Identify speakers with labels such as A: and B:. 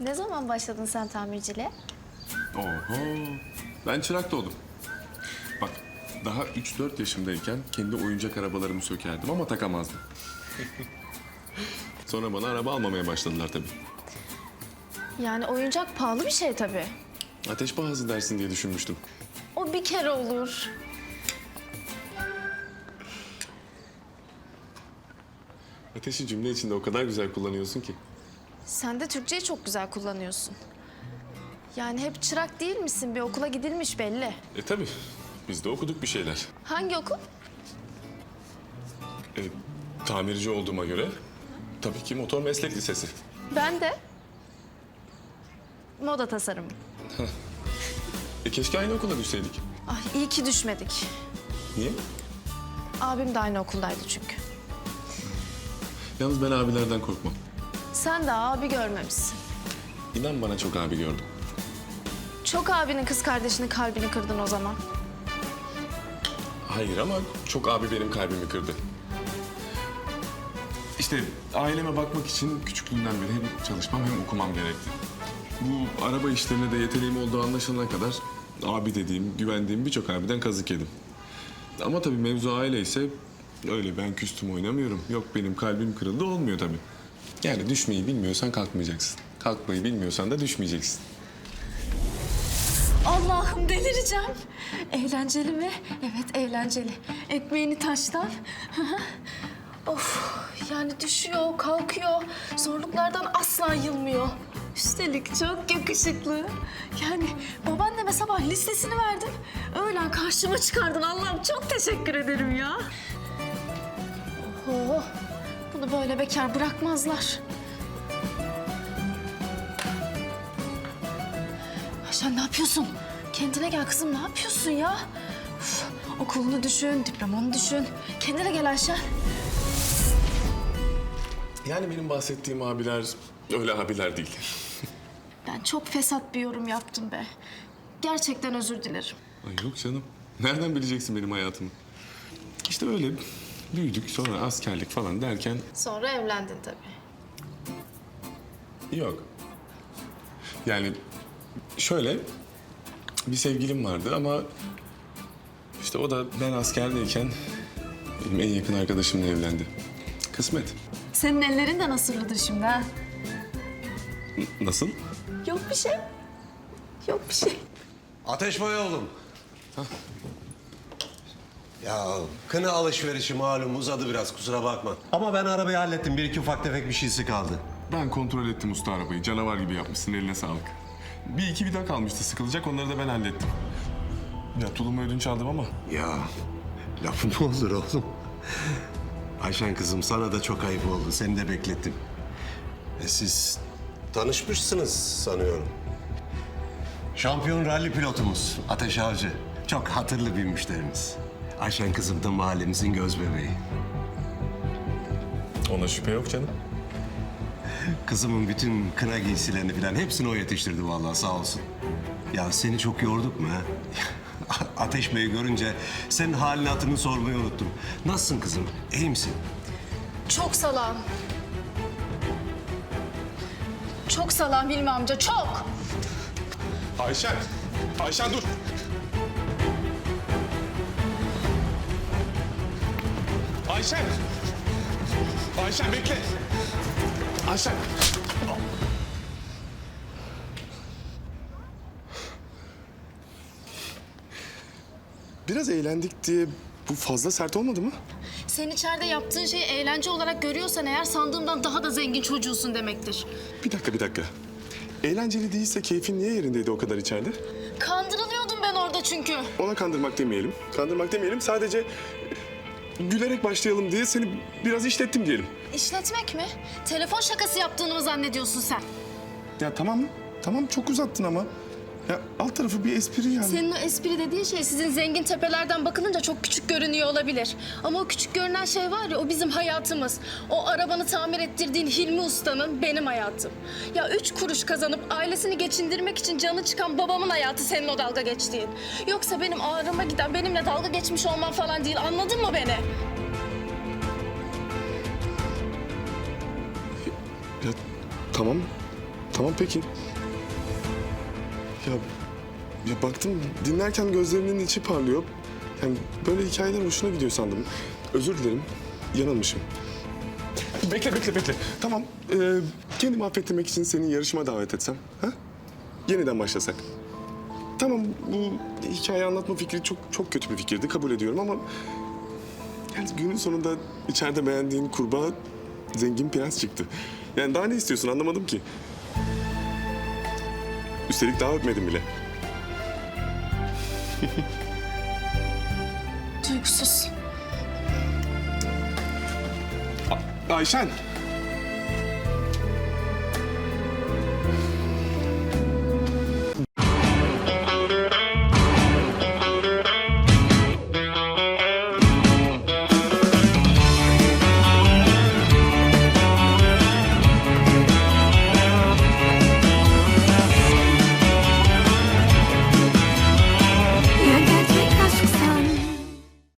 A: Ne zaman başladın sen tamirciliğe?
B: Oho. Ben çırak da oldum. Bak daha 3-4 yaşımdayken kendi oyuncak arabalarımı sökerdim ama takamazdım. Sonra bana araba almamaya başladılar tabii.
A: Yani oyuncak pahalı bir şey tabii.
B: Ateş pahası dersin diye düşünmüştüm.
A: O bir kere olur.
B: Ateşi cümle içinde o kadar güzel kullanıyorsun ki.
A: Sen de Türkçeyi çok güzel kullanıyorsun. Yani hep çırak değil misin? Bir okula gidilmiş belli.
B: Tabii. Biz de okuduk bir şeyler.
A: Hangi okul?
B: Tamirci olduğuma göre tabii ki motor meslek lisesi.
A: Ben de. Moda tasarımı.
B: Keşke aynı okula düşseydik.
A: Ay iyi ki düşmedik.
B: Niye?
A: Abim de aynı okuldaydı çünkü.
B: Yalnız ben abilerden korkmam.
A: Sen de abi görmemişsin.
B: İnan bana çok abi gördüm.
A: Çok abinin kız kardeşinin kalbini kırdın o zaman.
B: Hayır ama çok abi benim kalbimi kırdı. İşte aileme bakmak için küçüklüğümden beri hem çalışmam hem okumam gerekti. Bu araba işlerine de yeteneğim olduğu anlaşılana kadar abi dediğim, güvendiğim birçok abiden kazık yedim. Ama tabii mevzu aile ise öyle ben küstüm oynamıyorum. Yok benim kalbim kırıldı olmuyor tabii. Yani düşmeyi bilmiyorsan kalkmayacaksın. Kalkmayı bilmiyorsan da düşmeyeceksin.
A: Allah'ım delireceğim. Eğlenceli mi? Evet eğlenceli. Ekmeğini taştan. Of yani düşüyor, kalkıyor. Zorluklardan asla yılmıyor. Üstelik çok yakışıklı. Yani babaanneme sabah listesini verdin. Öğlen karşıma çıkardın. Allah'ım çok teşekkür ederim ya. Oho, bunu böyle bekar bırakmazlar. Ayşen ne yapıyorsun? Kendine gel kızım, ne yapıyorsun ya? Uf, okulunu düşün, diplomanı düşün. Kendine gel Ayşen.
B: Yani benim bahsettiğim abiler öyle abiler değil.
A: Ben çok fesat bir yorum yaptım be. Gerçekten özür dilerim.
B: Ay yok canım. Nereden bileceksin benim hayatımı? İşte öyle büyüdük sonra askerlik falan derken
A: Sonra evlendin tabii.
B: yok. Yani şöyle bir sevgilim vardı ama işte o da ben askerdeyken benim en yakın arkadaşımla evlendi. Kısmet.
A: Senin ellerin de nasırlıdır şimdi ha?
B: Nasıl?
A: Yok bir şey. Yok bir şey.
C: Ateş Bey oğlum. Ya kına alışverişi malum uzadı biraz kusura bakma. Ama ben arabayı hallettim. Bir iki ufak tefek bir şeysi kaldı.
B: Ben kontrol ettim usta arabayı. Canavar gibi yapmışsın, eline sağlık. Bir iki vida kalmıştı sıkılacak, onları da ben hallettim. Ya tulumu ödünç aldım ama
C: Ya lafım mı olur oğlum? Ayşen kızım sana da çok ayıp oldu. Seni de beklettim. Siz tanışmışsınız sanıyorum. Şampiyon ralli pilotumuz Ateş Avcı. Çok hatırlı bir müşterimiz. Ayşen kızım da mahallemizin göz bebeği.
B: ona şüphe yok canım.
C: Kızımın bütün kına giysilerini falan hepsini o yetiştirdi vallahi sağ olsun. Ya seni çok yorduk mu ha? Ateş Bey'i görünce senin halini hatırını sormayı unuttum. Nasılsın kızım? İyi misin?
A: Çok salam. Çok salam Hilmi amca, çok.
B: Ayşen! Ayşen dur! Ayşen! Ayşen bekle! Ayşen! Biraz eğlendik diye bu fazla sert olmadı mı?
A: Sen içeride yaptığın şeyi eğlence olarak görüyorsan eğer sandığımdan daha da zengin çocuğusun demektir.
B: Bir dakika. Eğlenceli değilse keyfin niye yerindeydi o kadar içeride?
A: Kandırılıyordum ben orada çünkü.
B: Ona kandırmak demeyelim. Kandırmak demeyelim. Sadece gülerek başlayalım diye seni biraz işlettim diyelim.
A: İşletmek mi? Telefon şakası yaptığını mı zannediyorsun sen?
B: Ya tamam çok uzattın ama. Ya alt tarafı bir espri yani.
A: Senin o espri dediğin şey sizin zengin tepelerden bakılınca çok küçük görünüyor olabilir. Ama o küçük görünen şey var ya, o bizim hayatımız. O arabanı tamir ettirdiğin Hilmi Usta'nın benim hayatım. Ya 3 kuruş kazanıp ailesini geçindirmek için canı çıkan babamın hayatı senin o dalga geçtiğin. Yoksa benim ağrıma giden, benimle dalga geçmiş olman falan değil. Anladın mı beni?
B: Ya tamam Tamam peki. Ya baktım dinlerken gözlerinin içi parlıyor. Yani böyle hikayeler hoşuna gidiyor sandım. Özür dilerim. Yanılmışım. Bekle. Tamam. Kendimi affettirmek için seni yarışma davet etsem. Ha? Yeniden başlasak. Tamam bu hikaye anlatma fikri çok kötü bir fikirdi. Kabul ediyorum ama... Yani günün sonunda içeride beğendiğin kurbağa zengin prens çıktı. Yani daha ne istiyorsun anlamadım ki. Üstelik daha öpmedim bile.
A: Duygusuz.
B: Ayşen.